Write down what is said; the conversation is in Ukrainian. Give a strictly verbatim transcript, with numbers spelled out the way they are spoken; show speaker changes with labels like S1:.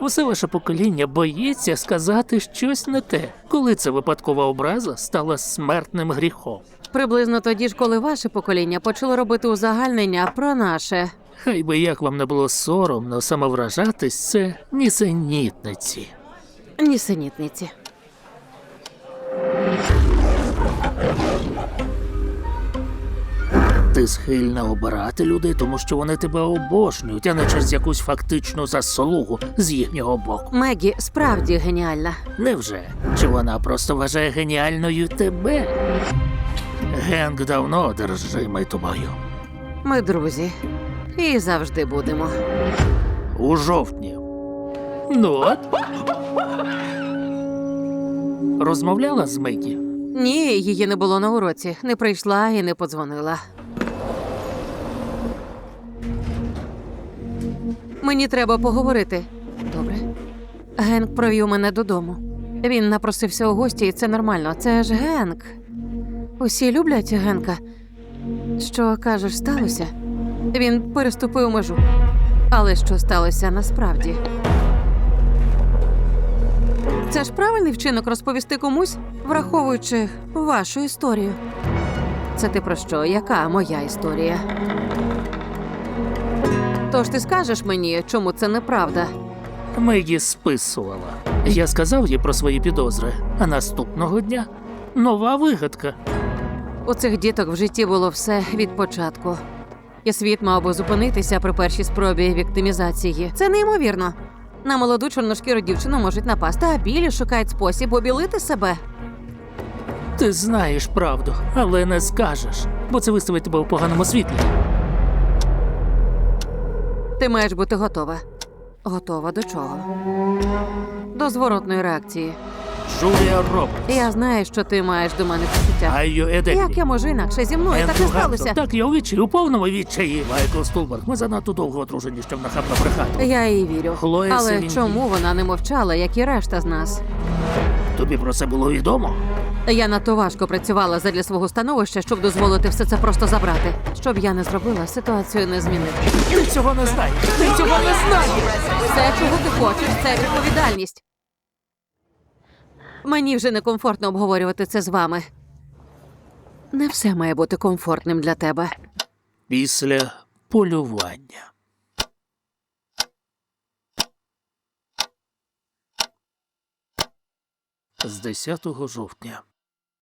S1: Усе ваше покоління боїться сказати щось не те, коли ця випадкова образа стала смертним гріхом.
S2: Приблизно тоді ж, коли ваше покоління почало робити узагальнення про наше.
S1: Хай би як вам не було соромно самовражатись, це нісенітниці.
S2: Нісенітниці.
S1: Ти схильна обирати людей, тому що вони тебе обожнюють, а не через якусь фактичну заслугу з їхнього боку.
S2: Мегі справді геніальна.
S1: Невже? Чи вона просто вважає геніальною тебе? Генк давно одержимий тобою.
S2: Ми друзі. І завжди будемо.
S1: У жовтні. Ну от. Розмовляла з Мегі?
S2: Ні, її не було на уроці. Не прийшла і не подзвонила. Мені треба поговорити. Добре. Генк провів мене додому. Він напросився у гості, і це нормально. Це ж Генк. Усі люблять Генка. Що, кажеш, сталося? Він переступив межу. Але що сталося насправді? Це ж правильний вчинок розповісти комусь, враховуючи вашу історію. Це ти про що? Яка моя історія? Тож ти скажеш мені, чому це неправда?
S1: Мегі списувала. Я сказав їй про свої підозри, а наступного дня нова вигадка.
S2: У цих діток в житті було все від початку. І світ мав би зупинитися при першій спробі віктимізації. Це неймовірно. На молоду чорношкіру дівчину можуть напасти, а білі шукають спосіб обілити себе.
S1: Ти знаєш правду, але не скажеш, бо це виставить тебе у поганому світлі.
S2: Ти маєш бути готова. Готова до чого? До зворотної реакції.
S1: Джулія Робертс.
S2: Я знаю, що ти маєш до мене почуття.
S1: Айо Едеклі.
S2: Як я можу інакше? Зі мною так і сталося.
S1: Так, я у відчаї, у повному відчаї, Майкл Стулберг. Ми занадто довго одружені, щоб нахабно брехати.
S2: Я їй вірю.
S1: Хлоя
S2: Але
S1: Селін
S2: чому вона не мовчала, як і решта з нас?
S1: Тобі про це було відомо?
S2: Я надто важко працювала задля свого становища, щоб дозволити все це просто забрати. Щоб я не зробила, ситуацію не змінити.
S1: Ти цього не знаєш! Ти цього не знаєш!
S2: Все, чого ти хочеш, це відповідальність. Мені вже некомфортно обговорювати це з вами. Не все має бути комфортним для тебе.
S1: Після полювання. З десятого жовтня.